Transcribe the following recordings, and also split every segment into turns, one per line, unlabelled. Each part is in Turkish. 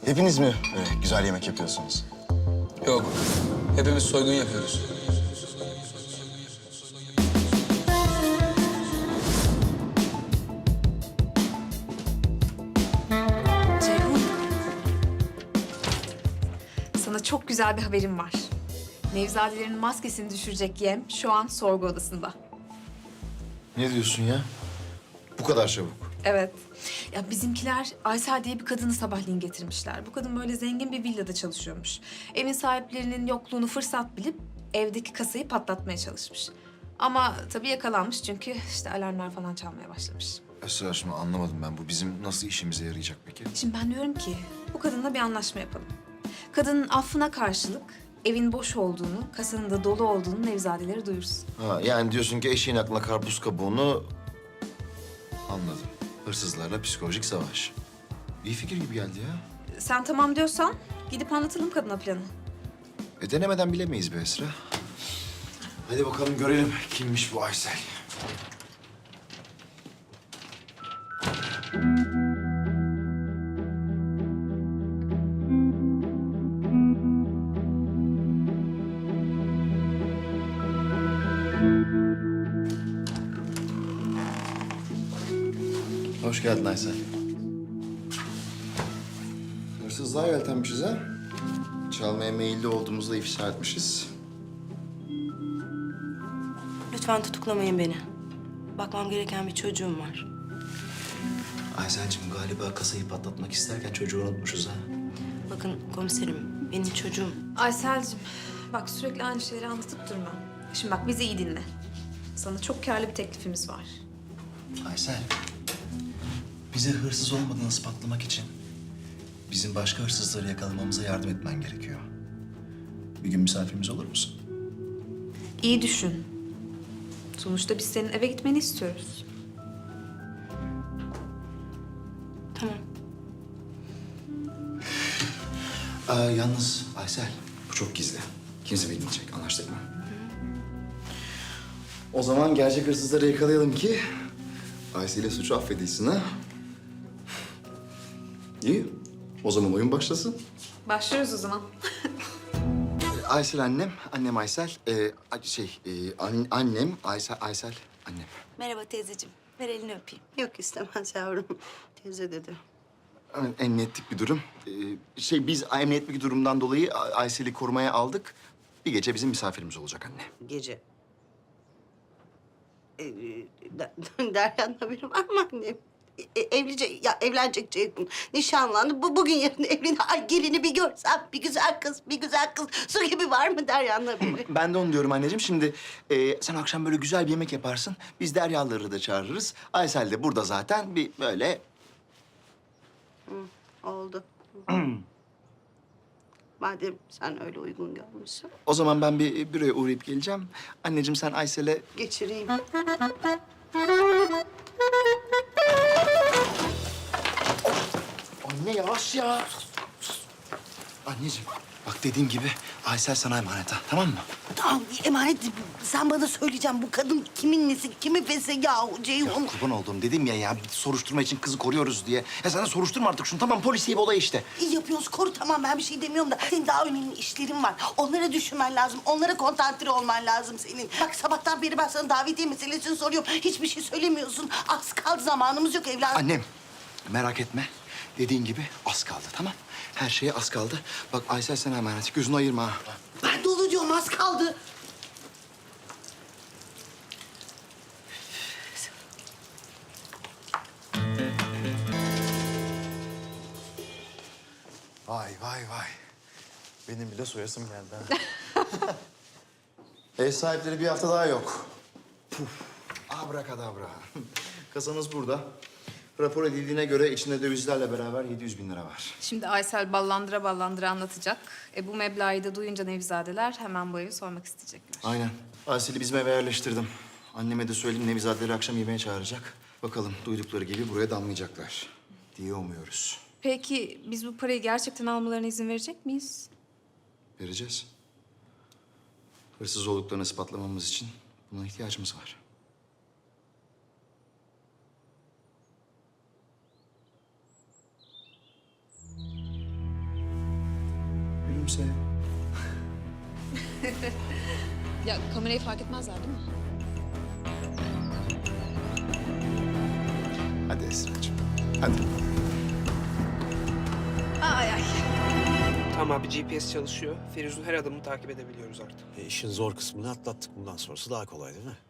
Hepiniz mi öyle güzel yemek yapıyorsunuz?
Yok. Hepimiz soygun yapıyoruz.
Ceyhun. Sana çok güzel bir haberim var. Nevzadelerin maskesini düşürecek yem şu an sorgu odasında.
Ne diyorsun ya? Bu kadar çabuk.
Evet. Ya bizimkiler Aysel diye bir kadını sabahleyin getirmişler. Bu kadın böyle zengin bir villada çalışıyormuş. Evin sahiplerinin yokluğunu fırsat bilip evdeki kasayı patlatmaya çalışmış. Ama tabii yakalanmış çünkü işte alarmlar falan çalmaya başlamış.
Esra şimdi anlamadım ben. Bu bizim nasıl işimize yarayacak peki?
Şimdi ben diyorum ki bu kadınla bir anlaşma yapalım. Kadının affına karşılık evin boş olduğunu, kasanın da dolu olduğunu Nevzadeleri duyursun.
Ha, yani diyorsun ki eşeğin aklına karpuz kabuğunu... Anladım. Hırsızlarla psikolojik savaş. İyi fikir gibi geldi ya.
Sen tamam diyorsan gidip anlatalım kadına planı.
Denemeden bilemeyiz be Esra. Hadi bakalım görelim kimmiş bu Aysel. Hoş geldin Aysel. Hırsızlığa yeltenmişiz ha. Çalmaya meyilli olduğumuzu da ifşa etmişiz.
Lütfen tutuklamayın beni. Bakmam gereken bir çocuğum var.
Aysel'cim galiba kasayı patlatmak isterken çocuğu unutmuşuz ha.
Bakın komiserim, benim çocuğum...
Aysel'cim bak sürekli aynı şeyleri anlatıp durma. Şimdi bak bizi iyi dinle. Sana çok karlı bir teklifimiz var.
Aysel, bize hırsız olmadığını ispatlamak için bizim başka hırsızları yakalamamıza yardım etmen gerekiyor. Bir gün misafirimiz olur musun?
İyi düşün. Sonuçta biz senin eve gitmeni istiyoruz.
Tamam.
Yalnız Aysel, bu çok gizli. Kimse bilmeyecek, anlaştık mı?
O zaman gerçek hırsızları yakalayalım ki Aysel'e suçu affedilsin ha. İyi. O zaman oyun başlasın.
Başlıyoruz o zaman.
Aysel annem, annem Aysel. Annem Aysel annem.
Merhaba teyzeciğim. Ver elini öpeyim. Yok istemez yavrum. Teyze dedi.
Emniyetlik bir durum. Biz emniyetlik bir durumdan dolayı Aysel'i korumaya aldık. Bir gece bizim misafirimiz olacak anne.
Gece. Derya'nın haberi var mı annem? Evlenecek Ceyhun. Nişanlandı. Bugün yarın evlenir. Ay gelini bir görsem. Bir güzel kız, bir güzel kız. Su gibi var mı Derya'nın haberi?
Ben de onu diyorum anneciğim. Şimdi sen akşam böyle güzel bir yemek yaparsın. Biz Deryalıları da çağırırız. Aysel de burada zaten bir böyle...
Oldu. Madem sen öyle uygun görmüşsün.
O zaman ben bir büroya uğrayıp geleceğim. Anneciğim sen Aysel'e...
Geçireyim.
Anne yavaş ya. Anneciğim bak dediğim gibi Aysel sana emanet ha, tamam mı?
Tamam emanet. Sen bana söyleyeceğim bu kadın kimin nesi, kimin fesi yahu
Ya
Ceyhun.
kurban olduğum dedim ya bir soruşturma için kızı koruyoruz diye. Ya sen de soruşturma artık şunu, tamam polisiye bir olay işte.
İyi yapıyoruz koru tamam ben bir şey demiyorum da senin daha önemli işlerin var. Onlara düşünmen lazım. Onlara konsantre olman lazım senin. Bak sabahtan beri ben sana davetiye meselesini soruyorum. Hiçbir şey söylemiyorsun. Az kaldı zamanımız yok evladım.
Annem merak etme. Dediğin gibi az kaldı, tamam? Her şeye az kaldı. Bak Aysel sana emanet. Gözünü ayırma ha.
Ben de onu diyorum az kaldı.
Vay vay vay. Benim bile soyasım geldi ha. Ev sahipleri bir hafta daha yok. Puf. Abrakadabra. Kasanız burada. Rapor edildiğine göre içinde dövizlerle beraber 700 bin lira var.
Şimdi Aysel ballandıra ballandıra anlatacak. Bu meblağı da duyunca Nevzadeler hemen bu evi sormak isteyecekler.
Aynen. Aysel'i bizim eve yerleştirdim. Anneme de söyleyeyim Nevizadeleri akşam yemeğe çağıracak. Bakalım duydukları gibi buraya damlayacaklar diye umuyoruz.
Peki biz bu parayı gerçekten almalarına izin verecek miyiz?
Vereceğiz. Hırsız olduklarını ispatlamamız için buna ihtiyacımız var.
gülümse.
Ya kamerayı fark etmezler değil mi?
Hadi Esra'cığım. Hadi.
Ay ay.
Tamam abi GPS çalışıyor. Firuz'un her adımını takip edebiliyoruz artık.
İşin zor kısmını atlattık. Bundan sonrası daha kolay değil mi?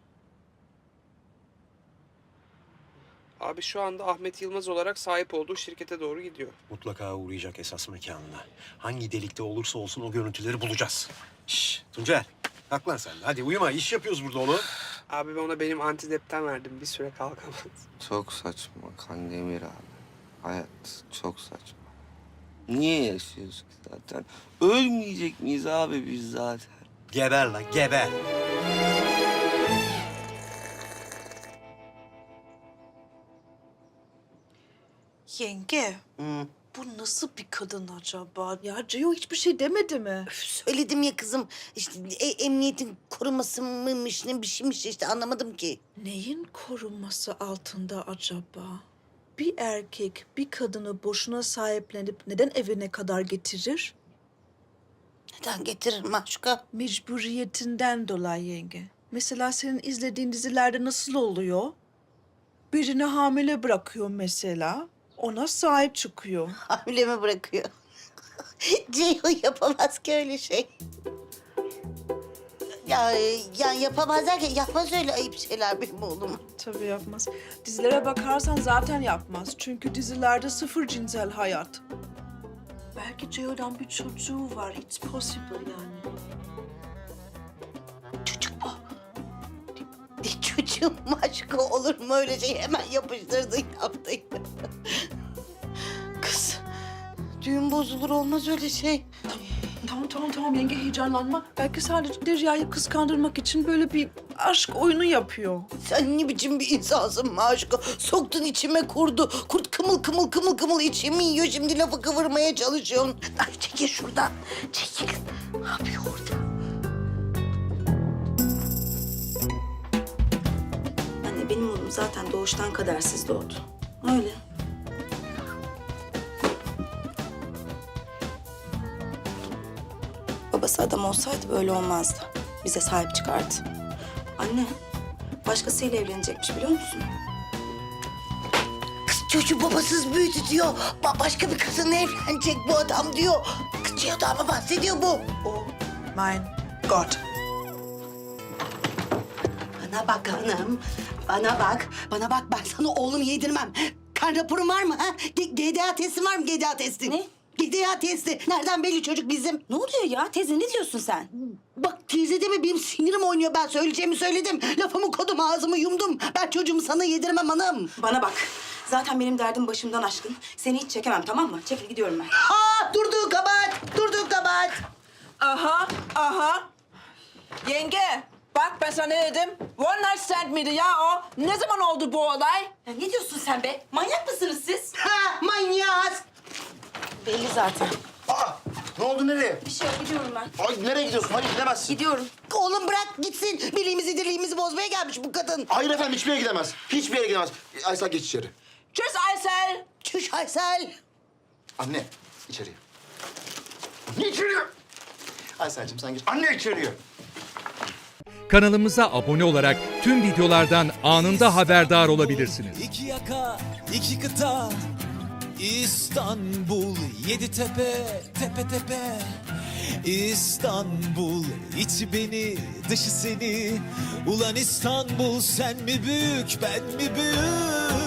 Abi şu anda Ahmet Yılmaz olarak sahip olduğu şirkete doğru gidiyor.
Mutlaka uğrayacak esas mekanına. Hangi delikte olursa olsun o görüntüleri bulacağız. Şşş Tuncel, kalk lan sen de. Hadi uyuma, iş yapıyoruz burada onu.
Abi ben ona benim antidepten verdim. Bir süre kalkamaz.
Çok saçma Kandemir abi. Hayat çok saçma. Niye yaşıyoruz ki zaten? Ölmeyecek miyiz abi biz zaten?
Geber lan, geber.
Yenge, bu nasıl bir kadın acaba? Ya Ceo hiçbir şey demedi mi?
Üf, söyledim ya kızım. İşte emniyetin koruması mıymış ne bir şeymiş işte anlamadım ki.
Neyin korunması altında acaba? Bir erkek bir kadını boşuna sahiplenip neden evine kadar getirir?
Neden getirir Maşuka?
Mecburiyetinden dolayı yenge. Mesela senin izlediğin dizilerde nasıl oluyor? Birini hamile bırakıyor mesela. Ona sahip çıkıyor.
Hamile mi bırakıyor? Ceyhun yapamaz ki öyle şey. Ya yani yapamaz derken yapmaz öyle ayıp şeyler benim oğlum.
Tabii yapmaz. Dizilere bakarsan zaten yapmaz. Çünkü dizilerde sıfır cinsel hayat. Belki Ceo'dan bir çocuğu var. It's possible yani.
Çocuk bu. Ne çocuğum Maşuka olur mu öyle şey hemen yapıştırdın yaptın. Kız düğün bozulur olmaz öyle şey.
Tamam yenge heyecanlanma. Belki sadece Derya'yı kıskandırmak için böyle bir aşk oyunu yapıyor.
Sen ne biçim bir insansın Maşuka? Soktun içime kurdu. Kurt kımıl içimi yiyor. Şimdi lafı kıvırmaya çalışıyorsun. Ay çekil şuradan. Çekil. Ne yapıyor orada?
Anne benim oğlum zaten doğuştan kadersiz doğdu. Öyle. Babası adam olsaydı böyle olmazdı. Bize sahip çıkardı. Anne, başkasıyla evlenecekmiş biliyor musun?
Kız çocuğu babasız büyüdü diyor. Başka bir kızınla evlenecek bu adam diyor. Kız Ceyhun'dan mı bahsediyor bu?
Oh my God.
Bana bak hanım. Bana bak. Bana bak ben sana oğlum yedirmem. Kan raporun var mı ha? GDA testin var mı GDA testin?
Ne?
GDA testi. Nereden belli çocuk bizim?
Ne oluyor ya? Teyze ne diyorsun sen?
Bak teyze deme benim sinirim oynuyor. Ben söyleyeceğimi söyledim. Lafımı kodum ağzımı yumdum. Ben çocuğumu sana yedirmem hanım.
Bana bak. Zaten benim derdim başımdan aşkın. Seni hiç çekemem tamam mı? Çekil gidiyorum ben.
Durduğun kabahat.
Aha. Yenge, bak ben sana ne dedim? One night stand miydi ya o? Ne zaman oldu bu olay?
Ya ne diyorsun sen be? Manyak mısınız siz?
Ha manyağız.
Belli zaten.
Aa, ne oldu nereye?
Bir şey yok gidiyorum ben.
Ay nereye gidiyorsun? Hayır gidemezsin.
Gidiyorum.
Oğlum bırak gitsin. Birliğimizi dirliğimizi bozmaya gelmiş bu kadın.
Hayır efendim hiçbir yere gidemez. Hiçbir yere gidemez. Aysel geç içeri.
Tschüss Aysel.
Çüş Aysel.
Anne içeriye. Anne içeriye. Aysel'cim sen geç. Anne içeriye.
Kanalımıza abone olarak tüm videolardan anında haberdar olabilirsiniz.
İki yaka, iki kıta, İstanbul, yedi tepe, tepe tepe. İstanbul, içi beni, dışı seni. Ulan İstanbul, sen mi büyük, ben mi büyük?